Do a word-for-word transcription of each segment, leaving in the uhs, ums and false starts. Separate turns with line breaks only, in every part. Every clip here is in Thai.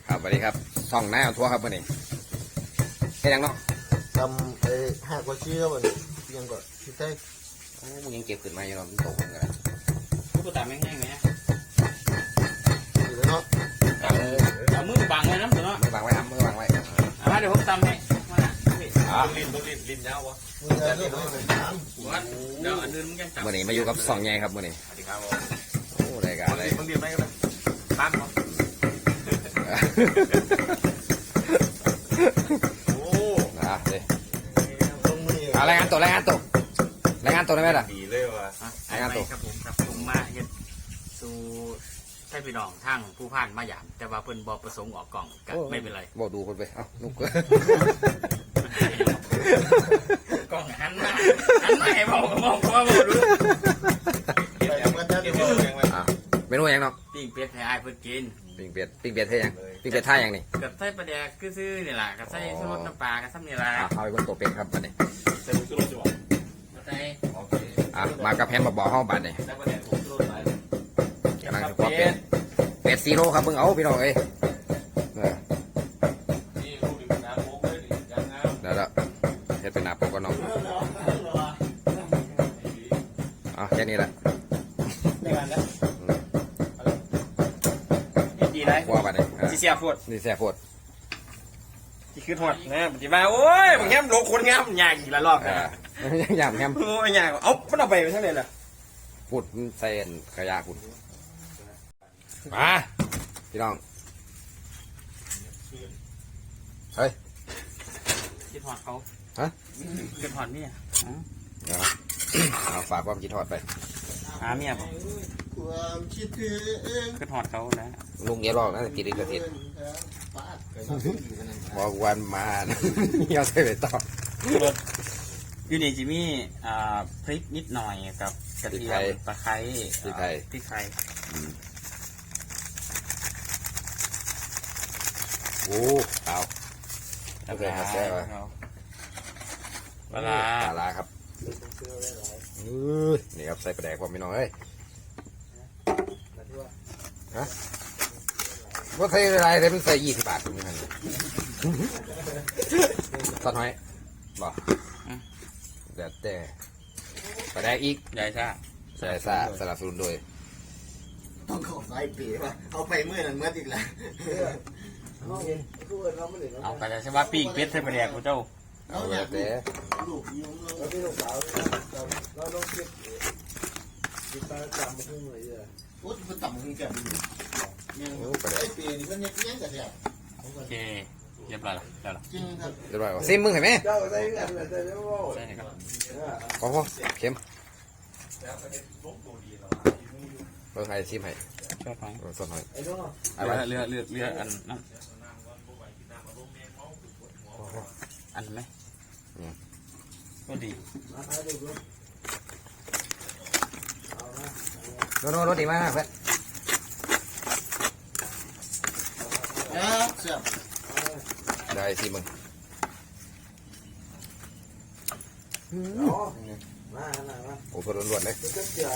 ครับสวัสดีครับส่องหน้าทัวร์ครับวันนี้แค่ยังเนาะ
ทำไอ้หักกว่าชี้ครับมันยังก็ที่ใต้
โอ้มึงยังเก็บขึ้นมาอยู่เนาะมันตกมันกัน
กูตามแม่งๆไหม
อยู่แล้วเนาะ
เอามือบังไว้นะเนาะ
มือวางไว้ครับมือวางไว้
มาเดี๋ยวผมตำให้มาหน่ะ
ลิ้นต้องลิ้นลิ้นยาววะ
มือจะเรื่องอะไรถาม
เดี๋ยวอันนึงมึงยังจับ
วันนี้มาอยู่กับส่องใหญ่ครับวันนี้
สวัสดีครับผม
โอ้รายการอะไร
มึงเรียนไหมกันตั้งมั้งโอ้
นะเลย
ตรงมือ
เอารายงานตัวรายงานตัวรายงานตัวได้ไหมล่ะ
ดีเลยว่ะ
ไอ้ไงครับผมครับผมมาเฮ็ดสู่ใช่พี่น้องทางผู้ผ่านมาหยามแต่ว่าเพิ่นบ่ประสงค์ออกกล่องก็ไม่เป็นไร
บอกดูคนไปเอ้านุก
กล่องหันมาหันมาให้บอกบอกว่าบ่รู้
ไปทำกันได้
เรียน
ดี
เรียนไหม
อ่ะเมนูยังเนาะ
ปิ้งเป็ดให้อ้ายเพิ่นกิน
ปิ้งเป็ดปิ้งเป็ดเท่ยังปิ้งเป็ดท่ายังนี่
กับไส้ปลาแดกคือซื้อนี่ล่ะกับไส้ชูรสน้ำปลากับซ้ำนี่ล่ะ
อ่ะเอาไปบนตัวเป็ดครับวันนี้
ใส่ถุงชูรสจ้ะ
กับไส้
โอเค
อ่ะมากับแพนบ่อห้องบัตรนี่
ใส่ประเด็นถุงชูรสไป
กำลังจะเป็ดเป็ดซีโร่ครับเพิ่งเอาพี่น้องเอ้ย
นี่รูปดิบน้ำโค้กเลยดิยังงาม
แล้วแล้วเฮ็ดเป็นหน้าปกก็น้องอ่ะแค่นี้แหละ
ในการแล้วดีไร
ว่าบัตรนี่
สิเสียปวด
นี่แซ่บโพด
ที่คือหดนะปฏิบัติโอ้ยบางแง่โลคนงามยากอีกละรอบ
อ่า
นะ
ยำแฮม
โอ้ยยากเอามันเอาไปเท่าไหร่ล่ะ
พูดเส้นขยะคุณมาพี่น้องเฮ้ย
คิดหอดเขา
ฮะ
คิดหอดเมีย
เดี๋ยวนะเอาฝากความคิดทอดไป
หาเมียบ่
ความคิดถึง
คิดหอดเขานะ
ลุงเยอะรอกนะติดลิขสิทธิ์
ปาดไปมาอยู่กันนั่น
บอกวันมา เยาใส่ไปต่อ
อยู่นี่จิมี่อ่าพริกนิดหน่อยกับกระเทียมตะไคร้พริกไทย
โอ้เอาโอเคครับแซ่บว่ะ
ปลาร้า
ปลาร้าครับอื้อนี่ครับใส่ปลาแดกผมพี่น้องเอ้ยฮะว่าใส่อะไรแต่มันใส่ยี่สิบบาทคุณนี่มันตอนน้อยบอกเดี๋ยวแต่ปลาแดกอีก
ใหญ่ซ่า
ใส่ซ่าสลับสนุนโดย
ต้องขอไฟปีป่ะเอาไปเมื่อนั้นเมื่ออีกแล้วน้องเองคือว่าเราไม่ได้
เอาไปใช่ว่าปิ้งเป็ดใส่ปลาแดกกูเจ้า
เอาแล้วแต่
ลูกยิ้มเราที่ลูกสาวเราต้องคิดคิดตาจำมาขึ้นเลยอ่ะโอ้ยมันต่ำขึ้นแก่ดียัง
โอ้ปลาแด
ไอ้
ก
ปีนี้มันยังยังกันเนี่ย
โอเคเรียบร้อยแล้วแล้วล่ะ
จริงครับ
เรียบร้อยว่ะซิมมึงเห็นไหม
เจ้าใส่กันเลยแต่เดี๋ยวว่า
ใช่ครับ
พอพอเค็ม
แล้วประเด็นลบตัวดีแล้ว
เพิ่งให้ชิมให้
ชอบไหม
สดหน่อย
ไอ้น้อง
เอาไว้
เรือเรือเรืออันนั้นอันไหมก็ดี
มาหาดูดู
โน่นโน่นรถดีมากเพื่อน
เสียบ
ได้สิมึง
อ๋อมาหน้ามา
โอ้โหล้วนๆเลย
เจ้าเสีย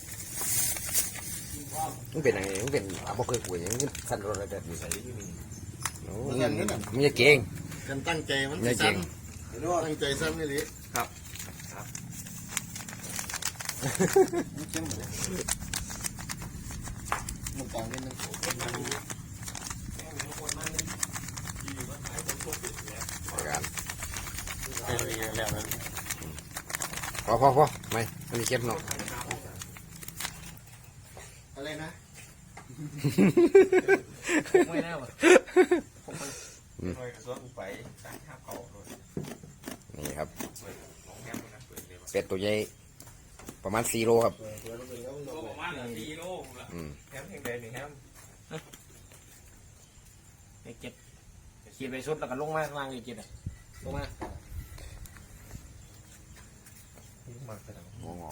มันเป็นยังไงมันเป็นอาบกเคยป่วยยังสั่นรถอะไรแบบนี้ใส่โอ้ยมันจะเก่ง
กันตั้งใจมัน
ไม่จริง
ตั้งใจซ้ำนี่ลิมันต่างกันนึง
การ
เรือแล้วแล้ว
พอพอพอไม่มันมีเค็มเนาะ
อะไรนะ
ไม่แน่ว่ะ
หน่วยกระทรวงไปตั้งข้าวเขาเลย
นี่ครับ
ของแก้มนะเปิดเลย
เป็ดตัวใหญ่ประมาณสี่โลครับ
โลประมาณสี่โลละ
อืม
แฮมแห่งใดนี่แฮม
ไอ้เก็บขีดไปชุดแล้วก็ลงมาวางอีกกินอ่ะลงมา
มาขนาด
งอก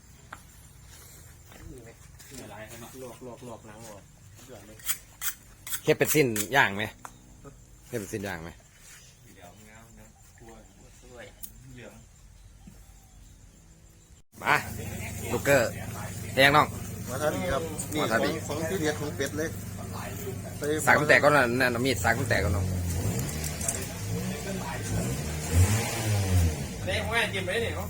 ไม่ไรใช่ไหมลวกลวกลวกหนังออกเดือดเลย
เฮ็ดเป็นสิ้นย่างไหมเฮ็ดเป็นสิ้นย่างไหม
เหลืองเงาเนื้อคั่ว
ด้วย
เหลือง
มาลูกเกอร์เฮียงน้อง
มาทานนี่ครับนี่ของของที่เด็ดของเป็ดเลย
สักตั้งแต่ก็นั่นนั่นมีดสักตั้งแต่ก็น้อง
เด็กแม่กินไปเนี่ยเนาะ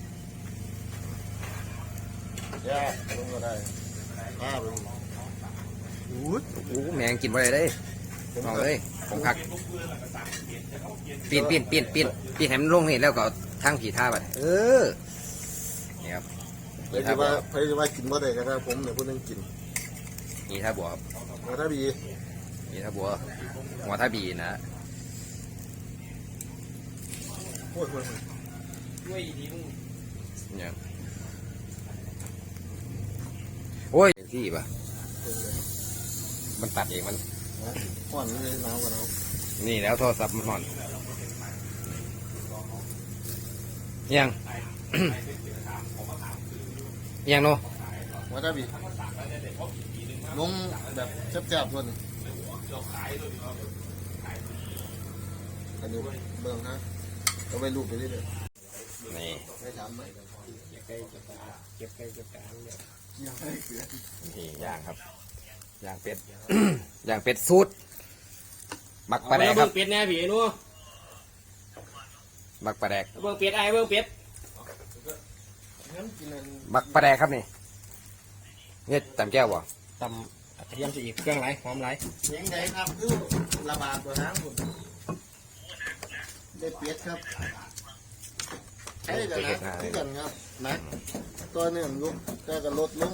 แย่ลงก็ได้อ้าวลง
โอ้แมงกินไปเลยเด้น้องเลยผมคักปีนปีนปีนปีนปีนให้มันลงนี่แล้วก็ทั้งผีท่าไปเออนี่ครับ
เพื่อจะว่าเพื่อจะว่ากินบ่ได้ก็ได้ผมเนี่ยพูดนึงกิน
นี่ท่าบัวครับ
มาถ้าบี
นี่ท่าบัวหัวท่าบีนะ
โอ้ยโอ้ย
ด้วยดีมึง
เนี่ยโอ้ยที่ป่ะมันตัดเองมัน
ห่อนเลยหนาวกว่าหนาว
นี่แล้วโทรศัพท์มันห่อนยัง ยังโน
มาถ้าบีลงแบบแซ่บๆตัวนี้อันนี้เบิ่งนะก็ไปรูปไปเรื่อย
นี่
ๆไม่ทำไหม
ใกล้จะตาเก็บใกล้จะตาเนี่ย
ยังไม่เกลือ
นี่ย่างครับย่างเป็ด ย่างเป็ดสูตรบักปลาแดกครับ
เป็ดแน่ผีนู้
บักปลาแดก
เบิ่งเป็ดไอ้เบิ่งเป็ด
งั้นกินอัน
บักปลาแดกครับนี่เนี่ยตำแก้วบ่
ตำกระเทียมจะอีกเครื่องไรหอมไร
เสียงใดครับคือระบาดตัวน้ำผมได้เปียดครับใช่กันนะที่กันครับนะตัวหนึ่งลุกเจ้ากับรถลง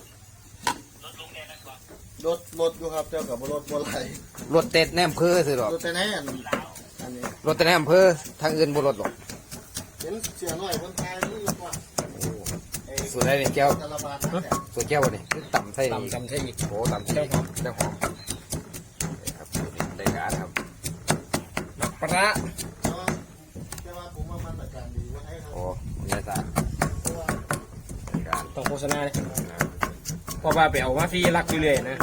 รถรถอยู่ครับเจ้ากับรถบัวไหล
รถเต็ดแนมเพอสิหรอก
รถแต่แน่นอันนี้
รถเต็ดแนมเพอทางอื่นบ่รถหรอก
เห็นเสียหน่อยคนไทยนี่รถว่า
สูตรได้นี่แก้ว
จะระบาดนะแต่
สูตรแก้วบ่นี่คือตำใส่
ตำตำใช่อีก
โอ้ตำใส่เจ้าหอมนี่ครับสูตรนี้ได้การครับ
ปลา
แต่ว่าผมว่ามันประการดีว่าให้เขา
โอ้ยายสา
เพราะว่า
ได้การ
ต้องโฆษณาเลยเพราะว่าไปเอามาฟรีรักอยู่เลยนะ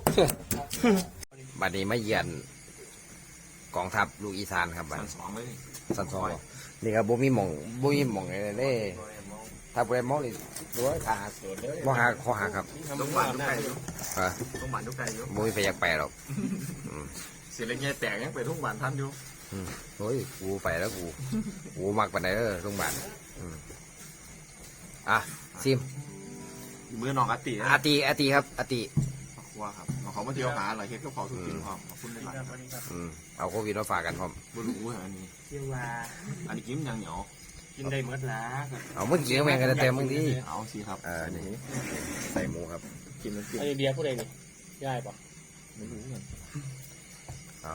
บัดนี้มาเยือนกองทัพลูกอีสานครับบัดนี้
สองเลย
สันซอยนี่ครับบ่มีหม่องบ่มีหม่องอะไรเด้ถ้าบ่ได้มองนี่รู้ว่าขาหักบ่หักคอหักครับ
ต้องหวานทุกไก่อยู่
ฮะ
ต้องหวานทุกไก่อยู่
บ่มีไฟอยากไปหรอกอืม
เสียเล็กแง่แตกยังไปทุกหวานท่านอยู่
อืมโอ้ยกูไปแล้วกูกูมักปานใดเด้อโรงพยาบาลอืมอ่ะซิม
มือน้องอาติ
อาติอาติครับอาติ
ว่าครับเขามาเที่ยวหาอะไรเฮ็ดก็ขอทุกทีความขอบคุณในหลาย
อืมเอาโควิดมาฝากกันพร้อม
บุรุษอันนี้
เที่ยวว่า
อันนี้กินยังเหนียว
กินได้หมดละ
เอามึงกินแม่งกันเต็มมึงดิ
เอาสิครับ
เออนี่ใส่หมูครับ
กินมันกิน
ไอเดียผู้ใดนี่ย่ายปะ
ไม่รู้เหมือน
เอา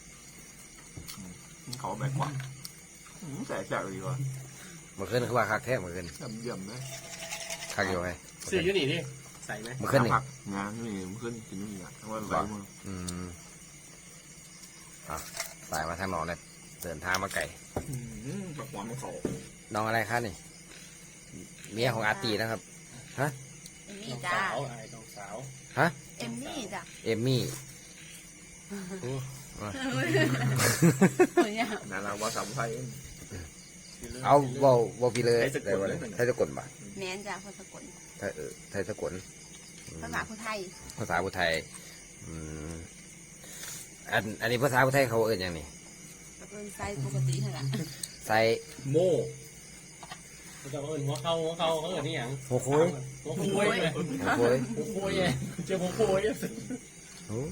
เขาแบกกว่าแสบแสบเลยว่ะ
เมื่อคืนคือว่าคักแท้เมื่อคืน
เยี่ยมเลย
คักอยู่ไง
ซื้ออยู่นี่ดิใส่ไหม
เมื่อคืนนี่
ผักงานนี่เมื่อคืนกินนี่อ่ะทั้งวันไหลมือ
อืมอ่ะสายมาทางหนองเลยเดินทางมาไก่
ผักหวานมันเขา
น้องอะไรคะนี่เมียของอาตีนะครับ
เอมมี่
น้อง
จ้า
สาวไอ้น้องสาว
ฮะ
เอมมี่จ้ะ
เอมมี่
เนี่ย
นาราว่าสามไทย
เอาเบาเบาพี่เลย
ไทยสะกด
ได้บ่
เลย
ไทยสะกดบ่ะ
แมนจ้ะคนสกล
ไทยเออไทยสะกดอืม
ภาษาคนไทย
ภาษาพุทธไทยอืมอันอันนี้ภาษาพุทธไทยเขาเอ่ยอย่างนี้
ก็เป็นไซส์ปกติเท่านั้น
ใส่
โม่เขาจะเอิญหัวเข่าหัวเข่าเขาเอิญนี่หยัง
หัวโค้ย
หัวโค้ยเลย
หัวโค้ย
หัวโค้ยเลยเจ้าหัวโค้ย
โอ้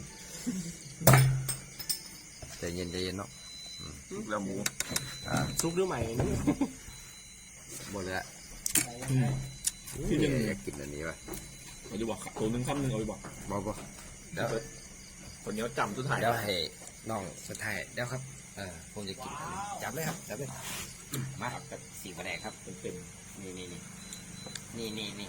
ใจเย็นใจเย็นเนาะ
แล้วหมู
อ่า
ซุกหรือใหม่นี่
หมดเลยละ
ที่หนึ่ง
อยากกินอันนี้ป่ะ
เอาไปบอกตัวหนึ่งคำหนึ่งเอาไปบอก
บ่บ่เดี๋ยว
คนนี้จำทุกถ่าย
เดี๋ยวให้น้องสุดท้ายเดี๋ยวครับเออผมจะกินอันนี้จับเลยครับจับเลยมากับสีกระแดงครับ
เต็ม
นี่นี่นี่นี่นี่นี่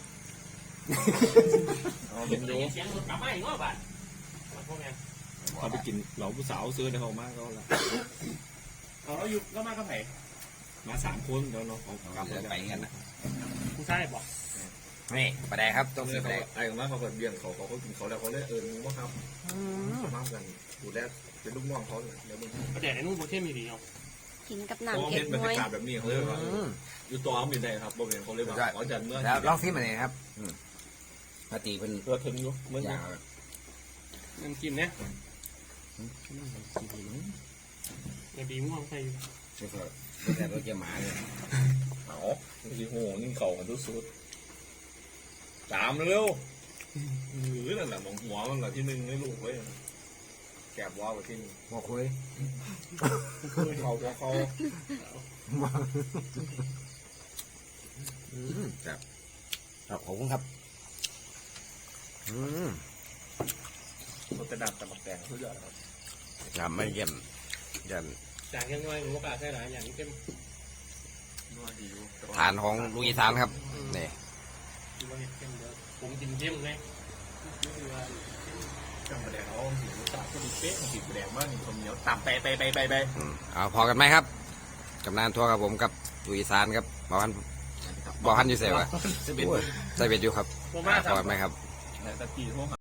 เอาเป็นดู
เสียงรถกลับมาอีกว่าบาทพวกนี้
เขาไปกินเหล่าผู้สาวซื้อในเขามากก็ละ
เอาเราอยู่ก็มากับไผ่
มาสามคนเดี๋ยวน้องเขากลับ
เดินไปกันนะ
ผู้ชายบอก
นี่กระแดงครับต้องสี
เนี่ย
กระ
เขา
แดง
ไอ้ของมาเขาเปิดเบี้ยงเขาเขาเขากินเขาแล้วเขาเลยเออมึงว่าครับมากกันดูแลเป็นลูกน้องเขาเลยเดี๋ยวมึง
ประเด็นไอ้นู่นโบเทมีดีเนาะ
กินกับ
เพราะ
น้ำ
ว่า
เก็
เห็
บ
นบรร
น้อย
ยากาศแบบนี้เขาเลยว่าอยู่ตัวเขาเป็นไงครับบ่เป็นเขาเลยว่าเขาจะเมื่อ
แล้วลองซิมอันนี้ครับอืมปกติเป็น
เพื่อถึงอยู่เมื่อ
อย่าง
น้ำจิ้มเนี่ยไอ้บีม่วงใส่
แล้วก็ไม่ใช่รถเกี่ยวหมาเลย
เอาที่โหยิ่งเข่ากันทุกสุดตามเร็วหรือนั่นแหละมองหัวมันแหละที่หนึ่งให้ลูกไว้แกบว่าไปที่หนึ่ง
บอกคุย
เขาพอเขา
ครับครับขอบคุณครับอืม
เขาจะดับแต่หมักแดงทุกอย่างครับ
ยำไม่เยี่ยมยัน
จากยังน้อยหมูกาใส่หลายอย่างเข้ม
นัวดีอยู่
ฐานของลูกอีสานครับนี่
คือว่าเห็ดเข้มเดี๋ยวผมกินเข้มไงนี่คือว่า
จังแดงเขาสีรสชาติก็ดีเป๊ะสีแดงมากคนเหนียวต่ำไปไปไปไปไป
อืมเอาพอกันไหมครับกำนานทัวร์กับผมกับลูกอีสานครับบอกพันบอกพันอยู่เสียวะ
จะเป็น
ใส่เบ็ดอยู่ครับ
ผมมา
พอกันไหมครับ
แต่ตะกี้พวก